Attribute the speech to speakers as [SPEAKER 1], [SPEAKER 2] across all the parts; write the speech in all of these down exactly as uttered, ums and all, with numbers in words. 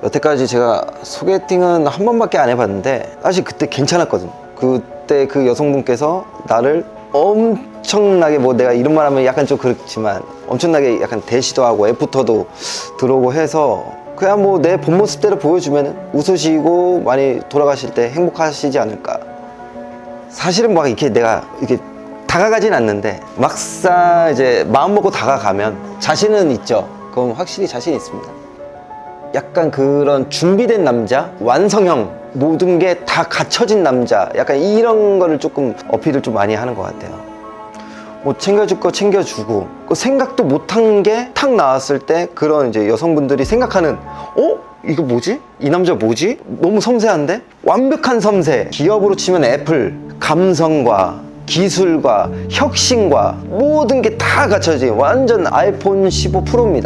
[SPEAKER 1] 여태까지 제가 소개팅은 한 번밖에 안 해봤는데 사실 그때 괜찮았거든. 그때 그 여성분께서 나를 엄청나게, 뭐 내가 이런 말 하면 약간 좀 그렇지만 엄청나게 약간 대시도 하고 애프터도 들어오고 해서 그냥 뭐 내 본 모습대로 보여주면 웃으시고 많이 돌아가실 때 행복하시지 않을까. 사실은 막 이렇게 내가 이렇게 다가가진 않는데 막상 이제 마음 먹고 다가가면 자신은 있죠. 그건 확실히 자신 있습니다. 약간 그런 준비된 남자, 완성형, 모든 게 다 갖춰진 남자, 약간 이런 거를 조금 어필을 좀 많이 하는 것 같아요. 뭐 챙겨줄 거 챙겨주고, 그 생각도 못한 게 탁 나왔을 때 그런 이제 여성분들이 생각하는, 어? 이거 뭐지? 이 남자 뭐지? 너무 섬세한데? 완벽한 섬세. 기업으로 치면 애플, 감성과 기술과 혁신과 모든 게 다 갖춰진 완전 아이폰 십오 프로입니다.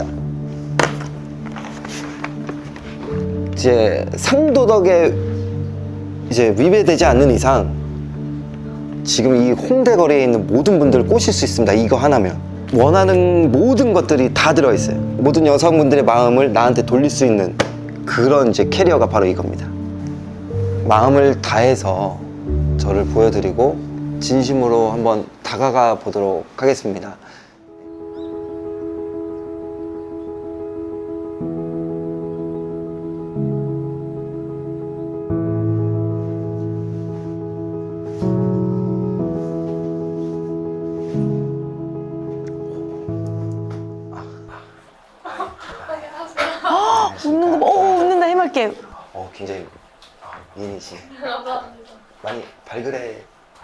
[SPEAKER 1] 이제 상도덕에 이제 위배되지 않는 이상 지금 이 홍대 거리에 있는 모든 분들을 꼬실 수 있습니다. 이거 하나면 원하는 모든 것들이 다 들어있어요. 모든 여성분들의 마음을 나한테 돌릴 수 있는 그런 이제 캐리어가 바로 이겁니다. 마음을 다해서 저를 보여드리고 진심으로 한번 다가가 보도록 하겠습니다.
[SPEAKER 2] 웃는 거 봐. 어, 웃는다. 해맑게.
[SPEAKER 1] 어, 굉장히 아, 미인이시. 많이 발그레.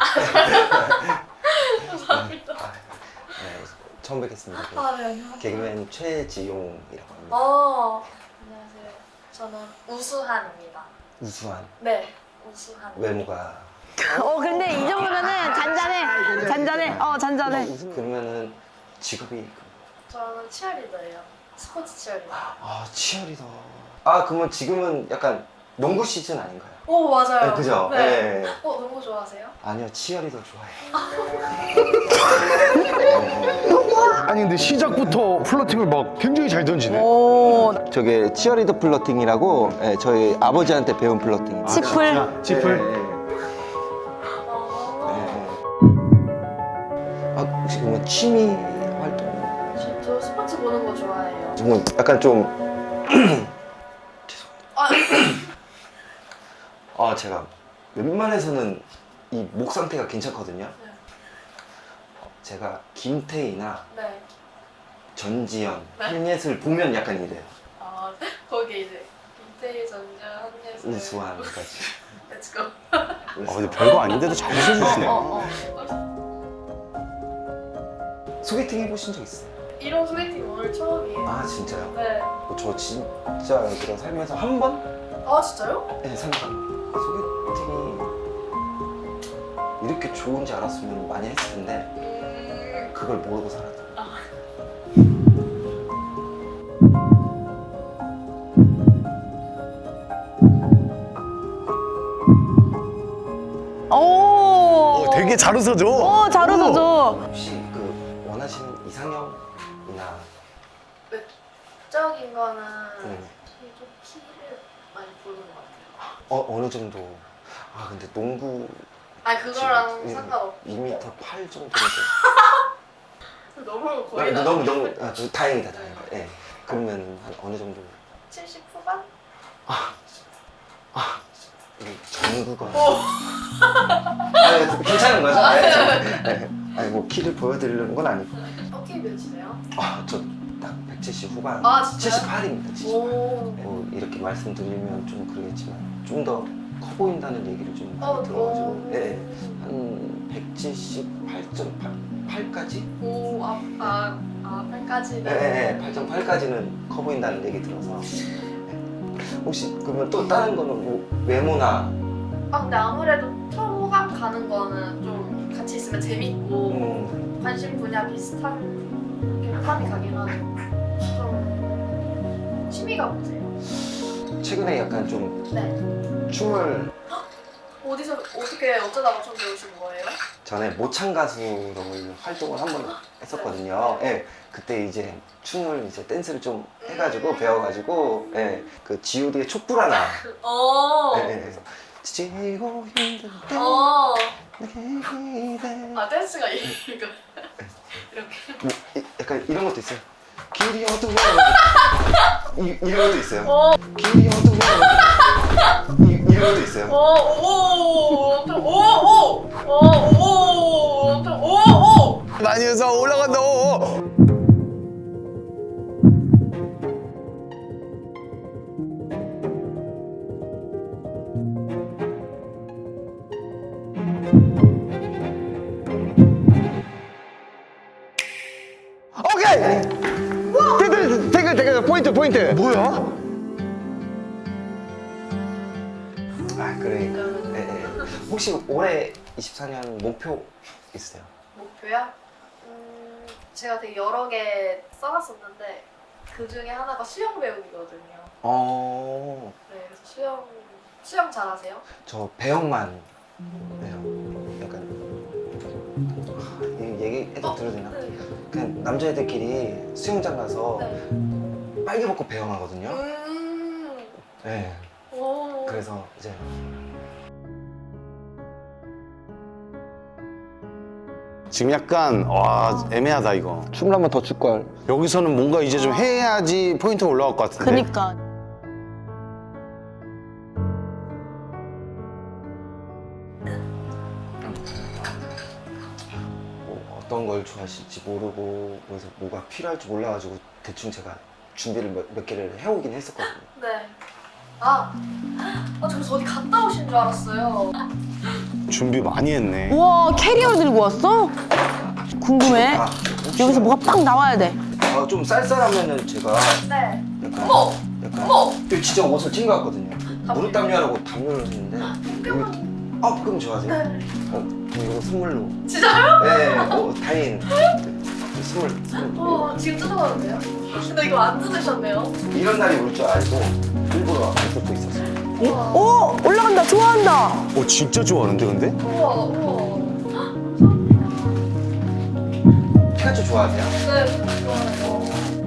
[SPEAKER 3] 감사합니다.
[SPEAKER 1] 아, 네, 처음 뵙겠습니다.
[SPEAKER 3] 아, 네, 안녕하세요.
[SPEAKER 1] 개그맨 최지용이라고 합니다.
[SPEAKER 3] 어, 안녕하세요. 저는 우수한입니다.
[SPEAKER 1] 우수한
[SPEAKER 3] 네, 우수한.
[SPEAKER 1] 외모가.
[SPEAKER 2] 어, 근데 이 정도면은 잔잔해. 잔잔해. 어, 잔잔해.
[SPEAKER 1] 우수- 그러면은 직업이
[SPEAKER 3] 저는 치어리더예요. 스포츠 치어리더.
[SPEAKER 1] 아 치어리더. 아 그러면 지금은 약간 농구 시즌 아닌가요?
[SPEAKER 3] 오, 맞아요.
[SPEAKER 1] 네, 그죠?
[SPEAKER 3] 네.
[SPEAKER 1] 네.
[SPEAKER 3] 어, 농구 좋아하세요?
[SPEAKER 1] 아니요 치어리더 좋아해요.
[SPEAKER 4] 아니 근데 시작부터 플러팅을 막 굉장히 잘 던지네.
[SPEAKER 2] 오,
[SPEAKER 1] 저게 치어리더 플러팅이라고 예, 저희 아버지한테 배운 플러팅.
[SPEAKER 2] 치플.
[SPEAKER 4] 지플.
[SPEAKER 3] 어,
[SPEAKER 1] 아 혹시 그러면 취미 활동?
[SPEAKER 3] 저, 저 스포츠 보는 거 좋아해요.
[SPEAKER 1] 뭐 약간 좀
[SPEAKER 3] 아,
[SPEAKER 1] 아 제가 웬만해서는 이 목 상태가 괜찮거든요.
[SPEAKER 3] 네.
[SPEAKER 1] 제가 김태희나
[SPEAKER 3] 네.
[SPEAKER 1] 전지현,
[SPEAKER 3] 네?
[SPEAKER 1] 한예슬 보면 약간 이래요.
[SPEAKER 3] 아, 거기 이제 김태희, 전자, 한예슬.
[SPEAKER 1] 우수한까지.
[SPEAKER 3] Let's go.
[SPEAKER 4] 아 근데 별거 아닌데도 잘 웃어주시네.
[SPEAKER 2] 어, 어.
[SPEAKER 1] 소개팅 해보신 적 있어요?
[SPEAKER 3] 이런 소개팅 오늘 처음이에요.
[SPEAKER 1] 아 진짜요?
[SPEAKER 3] 네.
[SPEAKER 1] 저 진짜 그런 살면서 한 번?
[SPEAKER 3] 아, 진짜요?
[SPEAKER 1] 네, 상관. 소개팅이 이렇게 좋은지 알았으면 많이 했을 텐데
[SPEAKER 3] 음,
[SPEAKER 1] 그걸 모르고 살았다.
[SPEAKER 2] 오.
[SPEAKER 4] 어, 되게 잘 웃어줘.
[SPEAKER 2] 오, 잘 웃어줘.
[SPEAKER 1] 혹시 그 원하시는 이상형이나
[SPEAKER 3] 외적인 거는
[SPEAKER 1] 음.
[SPEAKER 3] 좀 키를 많이 보는 것 같아요.
[SPEAKER 1] 어, 어느 정도? 아 근데 농구
[SPEAKER 3] 아, 그거랑
[SPEAKER 1] 지금
[SPEAKER 3] 상관없고.
[SPEAKER 1] 이 미터 팔 정도인데
[SPEAKER 3] 너무 거의
[SPEAKER 1] 아,
[SPEAKER 3] 다
[SPEAKER 1] 너무 너무 아, 저, 다행이다 다행이다. 예. 그러면 한 어느 정도?
[SPEAKER 3] 칠십 후반?
[SPEAKER 1] 이 전구가 아, 괜찮은 거죠? 네, 네. 아니 뭐 키를 보여드리려는 건 아니고
[SPEAKER 3] 어깨 몇이세요?
[SPEAKER 1] 아저 딱 백칠십 후반
[SPEAKER 3] 아, 진짜요?
[SPEAKER 1] 칠십팔입니다 칠십팔.
[SPEAKER 3] 오.
[SPEAKER 1] 뭐 이렇게 말씀드리면 좀 그러겠지만 좀 더 커 보인다는 얘기를 좀 많이
[SPEAKER 3] 어,
[SPEAKER 1] 들어가지고
[SPEAKER 3] 오.
[SPEAKER 1] 네, 한 백칠십팔 점 팔까지?
[SPEAKER 3] 오, 아, 아, 아, 팔까지는.
[SPEAKER 1] 네, 네, 팔 점 팔까지는 커 보인다는 얘기 들어서 네. 혹시 그러면 또 다른 거는 뭐 외모나
[SPEAKER 3] 아, 근데 아무래도 처음 호감 가는 거는 좀 같이 있으면 재밌고
[SPEAKER 1] 음,
[SPEAKER 3] 관심 분야 비슷한 게 호감이 가긴 하죠. 좀 취미가 뭐세요?
[SPEAKER 1] 최근에 약간 좀
[SPEAKER 3] 네.
[SPEAKER 1] 춤을
[SPEAKER 3] 오, 어디서 어떻게 어쩌다가 좀 배우신 거예요?
[SPEAKER 1] 전에 모창 가수로 활동을 한 번 했었거든요. 예, 그때 이제 춤을 이제 댄스를 좀 해가지고 배워가지고 예, 그 지오디의 촛불 하나.
[SPEAKER 3] 어.
[SPEAKER 1] 예, 예, 그래서 지고 힘들 때
[SPEAKER 3] 어.
[SPEAKER 1] 내게 기대.
[SPEAKER 3] 아 댄스가 이거 이렇게.
[SPEAKER 1] 뭐, 이- 약간 이런 것도 있어요. 길이 어두워. 이, 이런 것도 있어요.
[SPEAKER 3] 어.
[SPEAKER 1] 길이 어두워. 이, 이런 것도 있어요.
[SPEAKER 3] 오오오오오오오오오오오
[SPEAKER 4] 많이 해서 올라간다. 오.
[SPEAKER 1] 오케이. 태글 태글 태글 포인트 포인트.
[SPEAKER 4] 뭐야?
[SPEAKER 1] 아 그러니까. 예, 예. 혹시 올해 이십사 년 목표 있으세요?
[SPEAKER 3] 목표야? 음, 제가 되게 여러 개 써놨었는데 그 중에 하나가 수영 배우기거든요.
[SPEAKER 1] 어,
[SPEAKER 3] 네, 그래서 수영 수영 잘하세요?
[SPEAKER 1] 저 배영만 해요. 약간 하, 이 얘기해도 들어도 되나?
[SPEAKER 3] 네.
[SPEAKER 1] 그냥 남자애들끼리 수영장 가서
[SPEAKER 3] 네.
[SPEAKER 1] 빨개 벗고 배영하거든요.
[SPEAKER 3] 음.
[SPEAKER 1] 네.
[SPEAKER 3] 오.
[SPEAKER 1] 그래서 이제
[SPEAKER 4] 지금 약간 와 애매하다 이거.
[SPEAKER 1] 춤을 한 번 더 출 걸.
[SPEAKER 4] 여기서는 뭔가 이제 좀 해야지 포인트 올라갈 것 같은데.
[SPEAKER 2] 그니까.
[SPEAKER 1] 뭐 어떤 걸 좋아하실지 모르고 그래서 뭐가 필요할지 몰라가지고 대충 제가 준비를 몇, 몇 개를 해오긴 했었거든요.
[SPEAKER 3] 네. 아, 아, 저 그래서 어디 갔다 오신 줄 알았어요.
[SPEAKER 4] 준비 많이 했네.
[SPEAKER 2] 우와, 캐리어 들고 왔어? 궁금해.
[SPEAKER 1] 아,
[SPEAKER 2] 여기서 뭐가 빡 나와야 돼.
[SPEAKER 1] 아, 좀 쌀쌀하면은 제가
[SPEAKER 3] 네.
[SPEAKER 1] 약간
[SPEAKER 3] 어머!
[SPEAKER 1] 약간
[SPEAKER 3] 어머!
[SPEAKER 1] 이거 진짜 옷을 챙겨왔거든요. 무릎 담요하라고 담요를 했는데 여기 아 그럼 좋아하세요?
[SPEAKER 3] 네.
[SPEAKER 1] 어 이거 선물로.
[SPEAKER 3] 진짜요?
[SPEAKER 1] 네, 어 다행. 선물 선물.
[SPEAKER 3] 어, 지금 뜯어봐도 돼요? 근데 이거 안 뜯으셨네요.
[SPEAKER 1] 이런 날이 올 줄 알고 일부러 안 쓰고 있었어요.
[SPEAKER 3] 우와.
[SPEAKER 2] 오, 올라간다. 좋아한다.
[SPEAKER 4] 어 진짜 좋아하는데 근데?
[SPEAKER 3] 우와, 우와.
[SPEAKER 1] 피카츄 좋아하세요?
[SPEAKER 3] 네, 좋아요.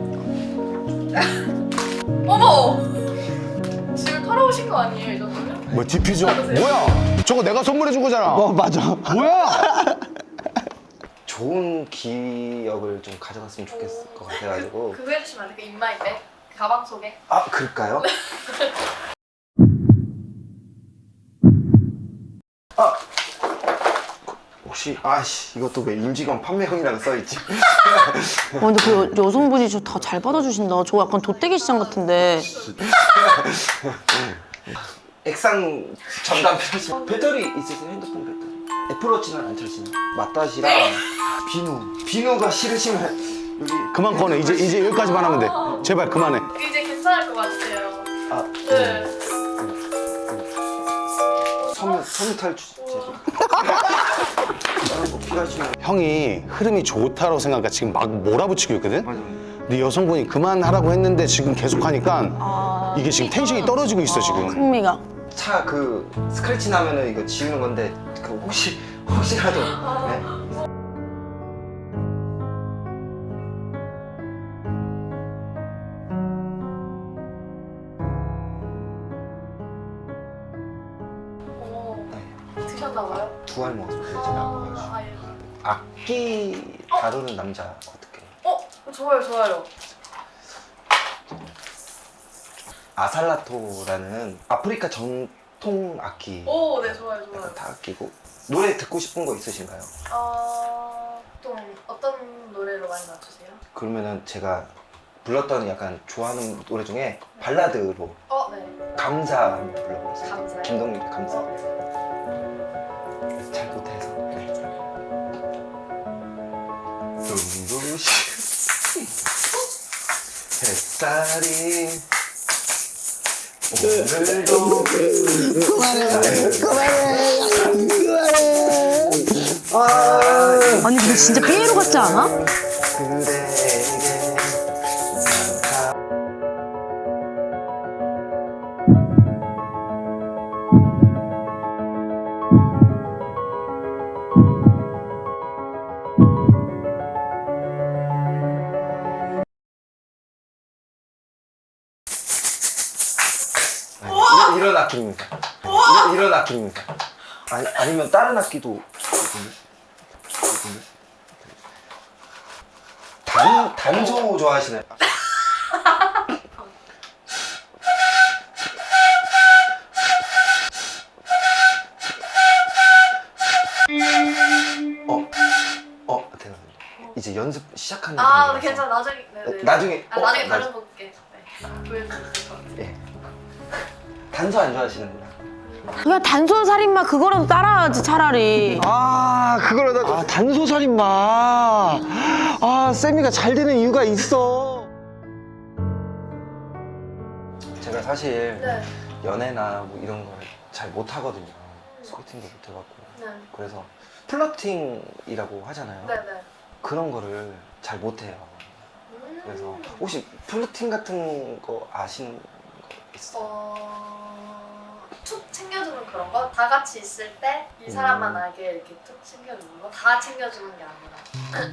[SPEAKER 3] 어머! 집을 털어오신 거 아니에요, 이 정도면?
[SPEAKER 4] 뭐 디퓨저? 뭐야? 저거 내가 선물해 준 거잖아.
[SPEAKER 1] 어 맞아.
[SPEAKER 4] 뭐야?
[SPEAKER 1] 좋은 기억을 좀 가져갔으면 좋겠을 것 같아가지고.
[SPEAKER 3] 그거 해주시면 안 돼요? 그 인마이백? 가방 속에?
[SPEAKER 1] 아 그럴까요? 아 혹시 아씨 이것도 왜 임직원 판매형이라고 써있지?
[SPEAKER 2] 어, 근데 그 여, 여성분이 저 다 잘 받아주신다. 저 약간 돗대기 시장 같은데.
[SPEAKER 1] 액상 전담 필요하시면 배터리 있으세요? 핸드폰 배터리 애플워치는 안 찰시나? 맞다시랑 비누 비누가 싫으시면 여기
[SPEAKER 4] 그만 꺼내. 이제 이제 여기까지만 하면 돼. 제발 그만해.
[SPEAKER 3] 이제 괜찮을 것 같아요.
[SPEAKER 1] 아
[SPEAKER 3] 네.
[SPEAKER 1] 섬유 섬유 탈취 다른 거 필요하시면
[SPEAKER 4] 형이 흐름이 좋다고 생각하니까 지금 막 몰아붙이고 있거든?
[SPEAKER 1] 맞아요.
[SPEAKER 4] 근데 여성분이 그만하라고 했는데 지금 계속 하니까
[SPEAKER 2] 아,
[SPEAKER 4] 이게 지금 텐션이 떨어지고 있어 지금.
[SPEAKER 2] 흥미가.
[SPEAKER 1] 차 그 스크래치 나면은 이거 지우는 건데 그 혹시 혹시라도 네?
[SPEAKER 3] 어머,
[SPEAKER 1] 네.
[SPEAKER 3] 드셨나봐요?
[SPEAKER 1] 두 알 먹었어요. 제가
[SPEAKER 3] 아, 아, 예.
[SPEAKER 1] 악기 다루는 남자 어떻게?
[SPEAKER 3] 어? 좋아요, 좋아요.
[SPEAKER 1] 아살라토라는 아프리카 전통 악기
[SPEAKER 3] 오, 네, 좋아요, 좋아요.
[SPEAKER 1] 약간 다 아끼고 노래 듣고 싶은 거 있으신가요?
[SPEAKER 3] 어, 좀 어떤 노래로 많이 맞추세요?
[SPEAKER 1] 그러면은 제가 불렀던 약간 좋아하는 노래 중에 발라드로
[SPEAKER 3] 어, 네.
[SPEAKER 1] 감사 한번 불러보겠습니다.
[SPEAKER 3] 감사요?
[SPEAKER 1] 김동률의 감사.
[SPEAKER 3] 어, 네.
[SPEAKER 1] 잘 못해서. 네. 눈부신 햇살이 오늘도 그만해 그만해 그만해
[SPEAKER 2] 아니, 근데 진짜 삐에로 같지 않아?
[SPEAKER 1] 그대에게 악기입니다. 이- 이런 악기입니다. 아니, 아니면 다른 악기도 있거든요. 있거든요. 단, 단소 좋아하시나요? 어? 어? 대단해. 이제 연습 시작하는
[SPEAKER 3] 아,
[SPEAKER 1] 단계라서.
[SPEAKER 3] 네, 괜찮아. 나중에. 네네.
[SPEAKER 1] 나중에-
[SPEAKER 3] 아,
[SPEAKER 1] 어,
[SPEAKER 3] 나중에
[SPEAKER 1] 맞아.
[SPEAKER 3] 다른 분께 네. 보여드릴 것 같아요.
[SPEAKER 1] 예. 단소 안 좋아하시는구나.
[SPEAKER 2] 그냥 단손 살인마 그거라도 따라하지 차라리.
[SPEAKER 1] 아, 그거라도. 아, 단소살인마. 아, 세미가 잘 되는 이유가 있어. 제가 사실
[SPEAKER 3] 네.
[SPEAKER 1] 연애나 뭐 이런 걸 잘 못하거든요. 소개팅도 못 해봤고.
[SPEAKER 3] 네.
[SPEAKER 1] 그래서 플러팅이라고 하잖아요.
[SPEAKER 3] 네네.
[SPEAKER 1] 그런 거를 잘 못해요.
[SPEAKER 3] 음.
[SPEAKER 1] 그래서 혹시 플러팅 같은 거 아시는 거 있어요?
[SPEAKER 3] 어... 툭 챙겨주는 그런 거? 다 같이 있을 때 이 사람만
[SPEAKER 1] 음.
[SPEAKER 3] 알게 이렇게 툭 챙겨주는 거? 다 챙겨주는 게 아니라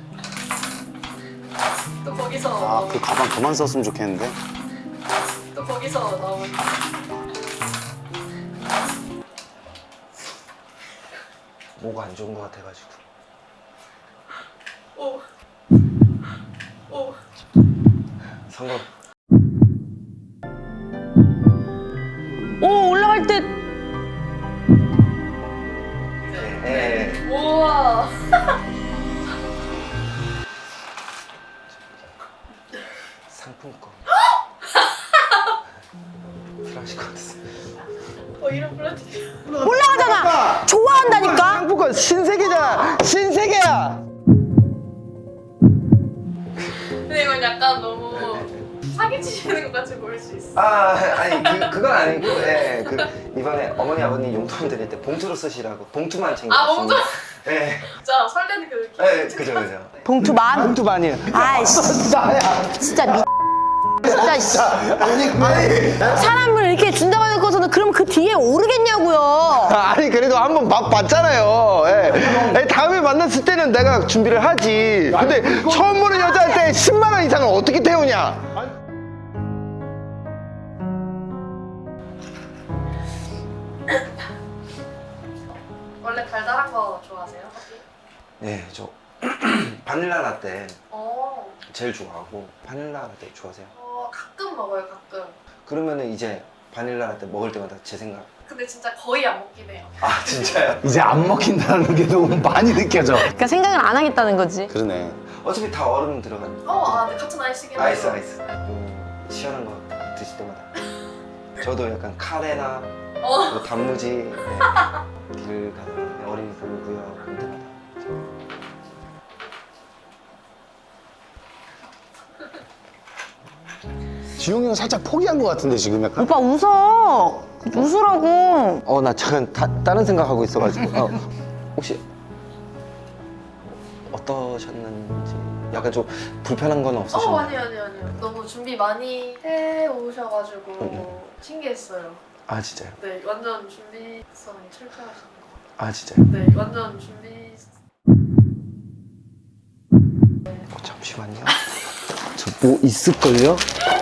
[SPEAKER 3] 또 거기서
[SPEAKER 5] 아,
[SPEAKER 3] 나오는
[SPEAKER 5] 그 가방 그만 썼으면 좋겠는데.
[SPEAKER 3] 또 거기서 나오는
[SPEAKER 1] 뭐가 안 좋은 거 같아가지고.
[SPEAKER 3] 오. 오.
[SPEAKER 1] 성공.
[SPEAKER 2] 오 올라갈 때
[SPEAKER 1] 네. 네.
[SPEAKER 3] 우와.
[SPEAKER 1] 상품권. 필요하실 것 같았어요.
[SPEAKER 3] 어 이런 플라팅.
[SPEAKER 2] 올라가잖아. 좋아한다니까.
[SPEAKER 1] 상품권 신세계잖아. 신세계야.
[SPEAKER 3] 근데 이건 약간 너무 사기치시는 것 같이 보일 수 있어.
[SPEAKER 1] 아, 아니 그 그건 아니고, 예, 그 이번에 어머니 아버님 용돈 드릴 때 봉투로 쓰시라고 봉투만 챙겨.
[SPEAKER 3] 아, 봉투?
[SPEAKER 1] 예,
[SPEAKER 3] 진짜 설레는 그 느낌.
[SPEAKER 1] 예, 그죠 그죠.
[SPEAKER 2] 봉투만.
[SPEAKER 1] 봉투만이요.
[SPEAKER 2] 아이씨
[SPEAKER 1] 나야.
[SPEAKER 2] 진짜 미. 진짜 씨.
[SPEAKER 1] 아니 아니.
[SPEAKER 2] 사람을 이렇게 준다고 해놓고서는 그럼 그 뒤에 오르겠냐고요.
[SPEAKER 1] 아니 그래도 한번 맛 봤잖아요. 예. 예, 다음에 만났을 때는 내가 준비를 하지. 근데 처음 보는 여자한테 십만 원 이상을 어떻게 태우냐?
[SPEAKER 3] 원래 달달한 거 좋아하세요?
[SPEAKER 1] 네, 저 바닐라 라떼
[SPEAKER 3] 어.
[SPEAKER 1] 제일 좋아하고 바닐라 라떼 좋아하세요?
[SPEAKER 3] 어 가끔 먹어요 가끔.
[SPEAKER 1] 그러면은 이제 바닐라 라떼 먹을 때마다 제 생각.
[SPEAKER 3] 근데 진짜 거의 안 먹긴 해요.
[SPEAKER 1] 아 진짜요?
[SPEAKER 4] 이제 안 먹힌다는 게 너무 많이 느껴져.
[SPEAKER 2] 그러니까 생각을 안 하겠다는 거지.
[SPEAKER 5] 그러네.
[SPEAKER 1] 어차피 다 얼음 들어가는.
[SPEAKER 3] 어, 아, 네, 같은 아이스긴 해요.
[SPEAKER 1] 아이스 아이스. 음, 시원한 거 드실 때마다. 저도 약간 카레나
[SPEAKER 3] 어.
[SPEAKER 1] 뭐 단무지 네. 길 가다가 어린이 보고요 볼 때마다.
[SPEAKER 5] 지용이 형 살짝 포기한 것 같은데 지금 약간.
[SPEAKER 2] 오빠 웃어. 웃으라고.
[SPEAKER 1] 어 나 잠깐 다, 다른 생각하고 있어가지고. 어, 혹시 어떠셨는지 약간 좀 불편한 건
[SPEAKER 3] 어,
[SPEAKER 1] 없으셨나요?
[SPEAKER 3] 아니요, 아니요, 아니요. 너무 준비 많이 해 오셔가지고
[SPEAKER 1] 음.
[SPEAKER 3] 신기했어요.
[SPEAKER 1] 아 진짜요?
[SPEAKER 3] 네, 완전 준비성이 철저하신 것
[SPEAKER 1] 아 진짜요?
[SPEAKER 3] 같아요. 네, 완전 준비.
[SPEAKER 1] 어, 잠시만요. 저 뭐 있을걸요?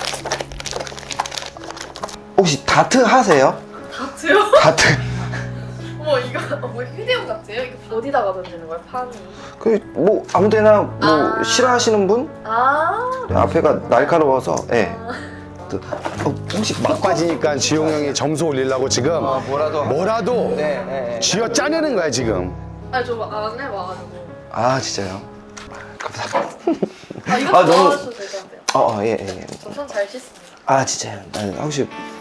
[SPEAKER 1] 혹시 다트 하세요?
[SPEAKER 3] 다트요?
[SPEAKER 1] 다트.
[SPEAKER 3] 어머, 이거 어, 뭐 휴대용 같아요? 이거 어디다가 던지는 거예요? 판이?
[SPEAKER 1] 그 뭐 아무데나 뭐
[SPEAKER 3] 아.
[SPEAKER 1] 싫어하시는 분?
[SPEAKER 3] 아,
[SPEAKER 1] 앞에가 날카로워서 예. 또, 어, 혹시 막
[SPEAKER 5] 막바지니까 지용 형이 점수 올리려고 지금
[SPEAKER 1] 아, 뭐라도
[SPEAKER 5] 뭐라도
[SPEAKER 1] 네, 네, 네.
[SPEAKER 5] 쥐어 짜내는 거야 지금.
[SPEAKER 3] 아니 저안 해봐가지고.
[SPEAKER 1] 아 진짜요? 감사합니다.
[SPEAKER 3] 아, 이거
[SPEAKER 1] 아, 너무-
[SPEAKER 3] 좋아하셔도 될 것 같아요.
[SPEAKER 1] 어, 어, 예, 예. 예.
[SPEAKER 3] 저 손 잘 씻습니다.
[SPEAKER 1] 아 진짜요? 아, 혹시